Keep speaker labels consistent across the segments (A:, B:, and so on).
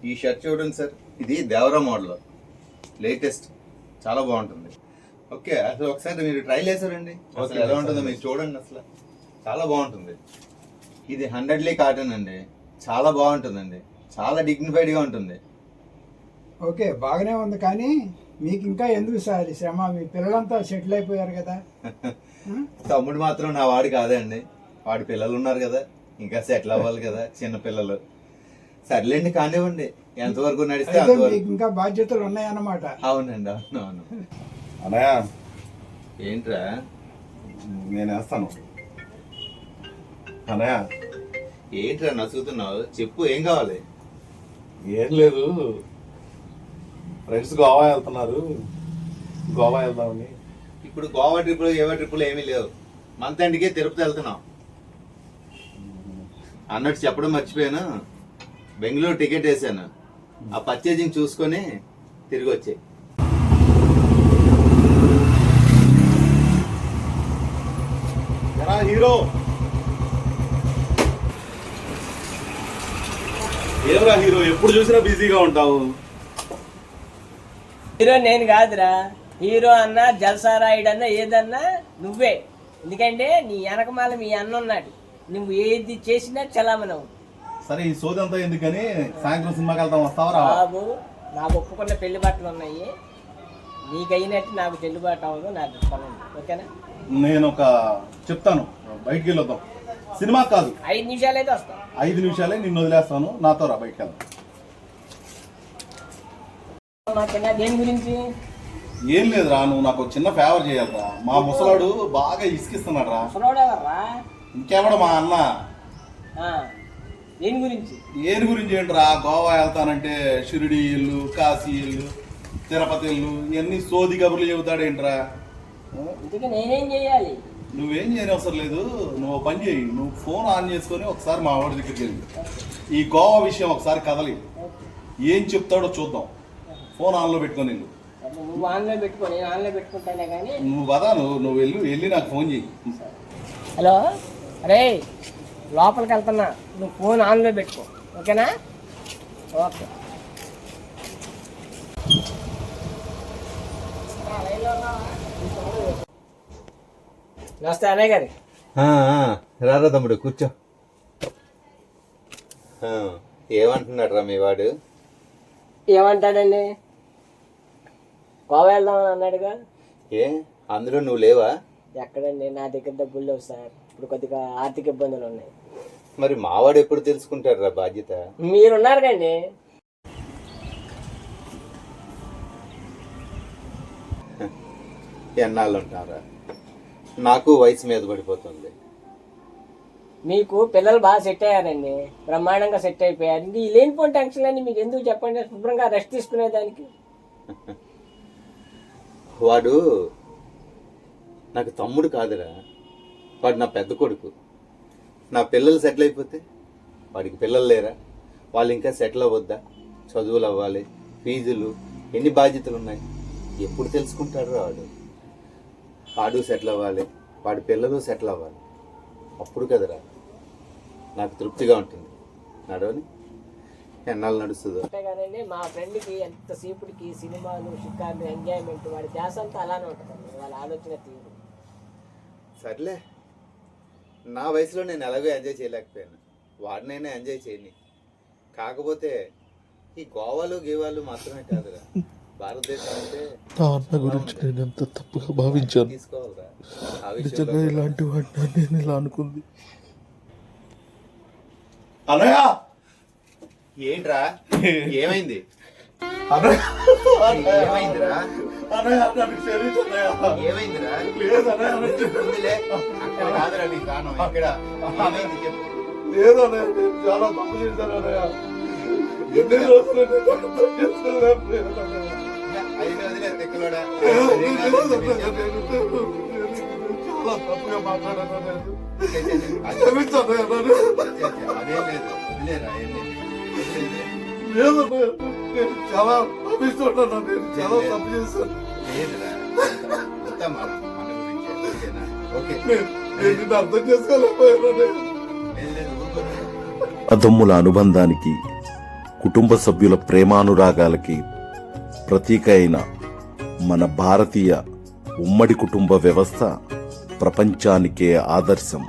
A: ఈ షర్ట్ చూడండి సార్, ఇది దేవరా మోడల్, లేటెస్ట్, చాలా బాగుంటుంది. ఓకే, అసలు ఒకసారి మీరు ట్రైల్ వేసారండి, అసలు ఎలా ఉంటుందో మీరు చూడండి, అసలు చాలా బాగుంటుంది. ఇది 100 కాటన్ అండి, చాలా బాగుంటుందండి, చాలా డిగ్నిఫైడ్గా ఉంటుంది.
B: ఓకే, బాగానే ఉంది. కానీ మీకు ఇంకా ఎందుకు సార్ శ్రమ? మీ పిల్లలంతా సెటిల్ అయిపోయారు కదా.
A: తమ్ముడు మాత్రం నా వాడు కాదండి, వాడి పిల్లలు ఉన్నారు కదా, ఇంకా సెటిల్ అవ్వాలి కదా, చిన్న పిల్లలు. సర్లేండి, కానివ్వండి, ఎంతవరకు నడిస్తే
B: మీకు ఇంకా బాధ్యతలు ఉన్నాయన్నమాట.
A: అవునండి, అవును అవును.
C: అన్నయ్య
A: ఏంట్రా?
C: నేను వేస్తాను. అన్నయ్య
A: ఏంట్రా నసుగుతున్నావు? చెప్పు, ఏం కావాలి?
C: ఏం లేదు, ఫ్రెండ్స్ గోవా వెళ్తున్నారు, గోవా వెళ్దామని.
A: ఇప్పుడు గోవా ట్రిప్పులు ఏవో ట్రిప్పులు ఏమీ లేవు, మంత్ ఎండ్కి తిరుపతి వెళ్తున్నాం. అన్నట్టు చెప్పడం మర్చిపోయాను, బెంగళూరు టికెట్ వేసాను, ఆ పర్చేజింగ్ చూసుకొని తిరిగి వచ్చాయి.
C: హీరో ఏమరా హీరో, ఎప్పుడు చూసినా బిజీగా ఉంటావు.
D: హీరో నేను కాదురా, హీరో అన్నా జల్సా రాయుడు అన్నా ఏదన్నా నువ్వే. ఎందుకంటే నీ వెనకమాల మీ అన్న ఉన్నాడు, నువ్వు ఏది చేసినా చలామణవు.
C: సరే, ఈ సోది అంతా ఎందుకని సాయంత్రం సినిమాకి వెళ్తాం, వస్తావరా?
D: బాబు, నాకు ఒప్పుకున్న పెళ్లి బట్టలు ఉన్నాయి, నీకు అయినట్టు నాకు చెల్లుబాటు అవ్వదు, నాకు పని. ఓకేనా?
C: నేను ఒక చెప్తాను, బయటికి వెళ్ళొద్దాం. సినిమా కాదు,
D: 5 నిమిషాలు అయితే వస్తాను.
C: 5 నిమిషాలే, నిన్ను వదిలేస్తాను, నాతో రా, బయటికి వెళ్దాం.
D: దేని గురించి?
C: ఏం లేదురా, నువ్వు నాకు చిన్న ఫేవర్ చేయాలరా. మా ముసలాడు బాగా ఇసుకిస్తున్నాడు రా.
D: ముసలోడెవర్రా?
C: ఇంకెవడ మా అన్న.
D: దేని గురించి?
C: ఏని గురించి ఏంట్రా, గోవా వెళ్తానంటే షిరిడి ఇల్లు, కాశీ ఇల్లు, తిరుపతి ఇల్లు, ఇవన్నీ సోది కబుర్లు చెబుతాడేంట్రా.
D: ఇంతకీ నేనేం చేయాలి?
C: నువ్వేం చేయని అవసరం లేదు, నువ్వు పని చేయి, నువ్వు ఫోన్ ఆన్ చేసుకొని ఒకసారి మా వాడి దగ్గరికి వెళ్ళి ఈ గోవా విషయం ఒకసారి కదలి, ఏం చెప్తాడో చూద్దాం. ఫోన్ ఆన్లో పెట్టుకొని వెళ్ళు.
D: నువ్వు ఆన్లో పెట్టుకో, నేను ఆన్లో పెట్టుకుంటానే కానీ
C: నువ్వు కదా, నువ్వు వెళ్ళి నాకు ఫోన్ చేయి.
D: హలో, అరే లోపలికి వెళ్తున్నా, నువ్వు ఫోన్ ఆన్లో పెట్టుకో, ఓకేనా? ఓకే. నమస్తే అన్నయ్య గారి.
A: రారా తమ్ముడు, కూర్చో. ఏమంటున్నాడు రా మీ వాడు?
D: ఏమంటాడండి? గోవా వెళ్దామని అన్నాడుగా.
A: ఏ, అందులో నువ్వు లేవా?
D: ఎక్కడండి, నా దగ్గర డబ్బులు లేవు సార్, ఇప్పుడు కొద్దిగా ఆర్థిక ఇబ్బందులు ఉన్నాయి.
A: మరి మావాడు ఎప్పుడు తెలుసుకుంటాడు రా బాధ్యత?
D: మీరున్నారు కండి.
A: ఎన్నాళ్ళు ఉంటారా, నాకు వయసు మీద పడిపోతుంది.
D: మీకు పిల్లలు బాగా సెట్ అయ్యారండి, బ్రహ్మాండంగా సెట్ అయిపోయారు. ఇంక ఈ లేనిపోయిన టెన్షన్ అన్ని మీకు ఎందుకు చెప్పండి, శుభ్రంగా రెస్ట్ తీసుకునేదానికి.
A: వాడు నాకు తమ్ముడు కాదురా, వాడు నా పెద్ద కొడుకు. నా పిల్లలు సెటిల్ అయిపోతే వాడికి పిల్లలు లేరా? వాళ్ళు ఇంకా సెటిల్ అవ్వద్దా? చదువులు అవ్వాలి, ఫీజులు, ఎన్ని బాధ్యతలు ఉన్నాయి, ఎప్పుడు తెలుసుకుంటాడు వాడు? వాడు సెటిల్ అవ్వాలి, వాడి పిల్లలు సెటిల్ అవ్వాలి, అప్పుడు కదరా నాకు తృప్తిగా ఉంటుంది. నడవని ఎన్నాళ్ళు నడుస్తుందో.
D: అంతే కదండి, మా ఫ్రెండ్కి ఎంతసేపుడికి సినిమాలు, షికార్లు, ఎంజాయ్మెంట్, వాడి ధ్యాస అంతా అలానే ఉంటుందండి, వాళ్ళ ఆలోచన తీరు.
A: సర్లే, నా వయసులో నేను ఎలాగో ఎంజాయ్ చేయలేకపోయాను, వాడినైనా ఎంజాయ్ చేయని. కాకపోతే ఈ గోవాలు గీవాలు మాత్రమే కాదురా, భారతదేశం అంటే
E: నా అన్న గురించి నేను ఎంత తప్పుగా భావించాను.
A: తీసుకోవాలిరా.
E: నిజంగా ఇలాంటి వాడిని నేను ఇలా అనుకుంది.
C: అన్నయ్య,
A: ఏంట్రా, ఏమైంది?
C: అన్నయ్య,
A: ఏమైందిరా?
C: అన్నయ్య, నన్ను క్షమించు అన్నయ్య.
A: ఏమైందిరా?
C: లేదు అన్నయ్య,
A: ఉందిలే, అక్కడ కాదురా నీ స్థానం, ఇక్కడ. ఏమైంది చెప్పు.
C: లేదు అన్నయ్య, నేను చాలా తప్పు చేశాను అన్నయ్య. ఎన్ని రోజులు నేను అర్థం చేసుకోలేకపోయాను అన్నయ్య.
A: అయినా వదిలే, తెక్కలోడా.
C: చాలా తప్పుగా మాట్లాడాను అన్నయ్య.
A: అదేం
C: క్షమించు అన్నయ్య నన్ను.
A: లేదు, వదిలేరా, ఏం లేదు.
C: లేదు అన్నయ్య, నేను చాలా తప్పిస్తున్నాను, నేను చాలా తప్పు చేశాను.
A: లేదురా, అంతా మన గురించి. ఓకేనా? ఓకే,
C: నేను నిన్ను అర్థం చేసుకోలేకపోయాను అన్నయ్య.
A: లేదు లేదు, ఊరుకో.
F: అదమ్ముల అనుబంధానికి
C: కుటుంబ సభ్యుల ప్రేమానురాగాలకి ప్రతీక అయిన మన భారతీయ ఉమ్మడి కుటుంబ వ్యవస్థ ప్రపంచానికే ఆదర్శం.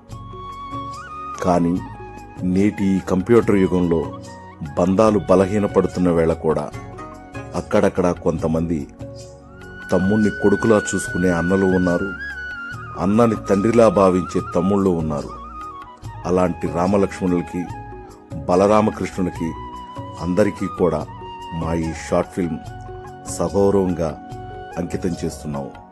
C: కానీ నేటి ఈ కంప్యూటర్ యుగంలో బంధాలు బలహీనపడుతున్న వేళ కూడా అక్కడక్కడ కొంతమంది తమ్ముణ్ణి కొడుకులా చూసుకునే అన్నలు ఉన్నారు, అన్నని తండ్రిలా భావించే తమ్ముళ్ళు ఉన్నారు. అలాంటి రామలక్ష్మణులకి, బలరామకృష్ణులకి అందరికీ కూడా మా ఈ షార్ట్ ఫిల్మ్ సగౌరవంగా అంకితం చేస్తున్నాము.